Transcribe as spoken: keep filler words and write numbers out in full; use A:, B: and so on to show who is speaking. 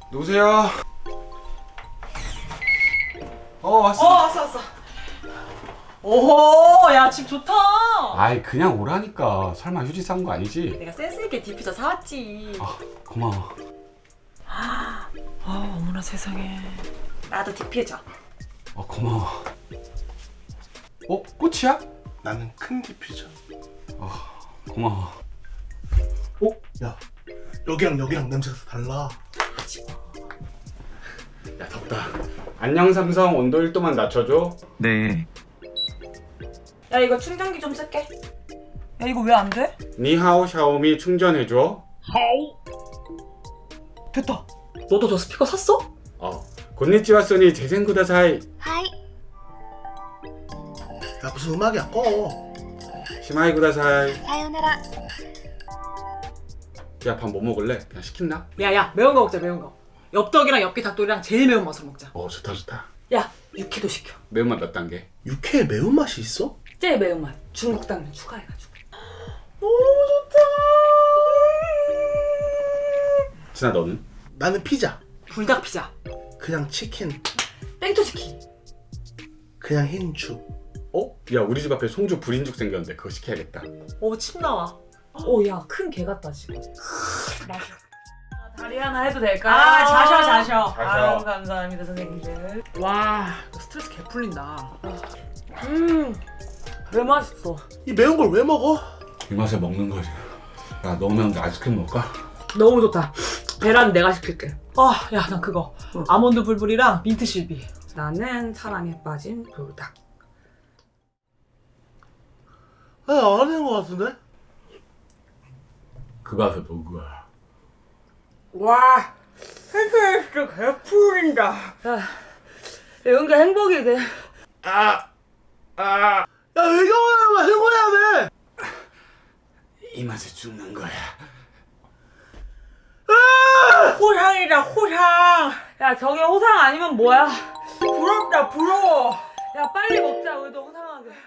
A: 누구세요? 어 왔어.
B: 어 왔어 왔어. 오호 야 집 좋다.
A: 아이 그냥 오라니까. 설마 휴지 싼 거 아니지?
B: 내가 센스있게 디퓨저 사왔지.
A: 아 고마워.
B: 아 어머나 세상에. 나도 디퓨저.
A: 어 고마워. 어 꽃이야?
C: 나는 큰 디퓨저.
A: 아 고마워.
C: 어? 야 여기랑 여기랑 냄새가 달라.
A: 야 덥다. 안녕 삼성 온도 일 도만 낮춰줘.
D: 네.
B: 야 이거 충전기 좀 쓸게. 야 이거 왜 안 돼?
A: 니하오 샤오미 충전해줘.
B: 됐다. 너도 저 스피커 샀어?
A: 어 곤니치와 소니 재생구다사이.
C: 야 무슨 음악이야 꺼.
A: 시마이 구다사이.
E: さよなら
A: 야 밥 뭐 먹을래? 그냥 시킨다.
B: 야야 매운 거 먹자 매운 거. 엽떡이랑 엽기 닭도리랑 제일 매운 맛으로 먹자.
A: 어 좋다 좋다.
B: 야 육회도 시켜.
A: 매운맛 몇 단계?
C: 육회에 매운맛이 있어?
B: 제일 매운맛 중국 당면 추가해가지고.
A: 진아 너는?
C: 나는 피자.
B: 불닭 피자.
C: 그냥 치킨.
B: 땡초치킨.
C: 그냥 흰죽.
A: 어? 야 우리 집 앞에 송주 불인죽 생겼는데 그거 시켜야겠다.
B: 어침 나와. 오야 큰 개 같다 지금. 맛있어. 다리 하나 해도 될까요? 아 자셔 자셔.
A: 자셔.
B: 아유 감사합니다 선생님들. 와 이거 스트레스 개 풀린다. 음왜 맛있어.
C: 이 매운 걸 왜 먹어?
A: 이 맛에 먹는 거지. 야 너무 매운데 아이스크림 먹을까?
B: 너무 좋다. 계란 내가 시킬게. 아야 난 그거 아몬드 불불이랑 민트 실비. 나는 사랑에 빠진 불닭.
C: 아, 안 하는 거 같은데?
A: 그 맛에 누구야?
B: 와 스트레스 개 풀린다. 야 이런 게 행복이 돼.
A: 아! 아!
C: 야 외경하면 해고해야 돼.
A: 이 맛에 죽는 거야.
B: 호상이다 호상. 야 저게 호상 아니면 뭐야? 부럽다 부러워. 야 빨리 먹자 우리도 호상하게.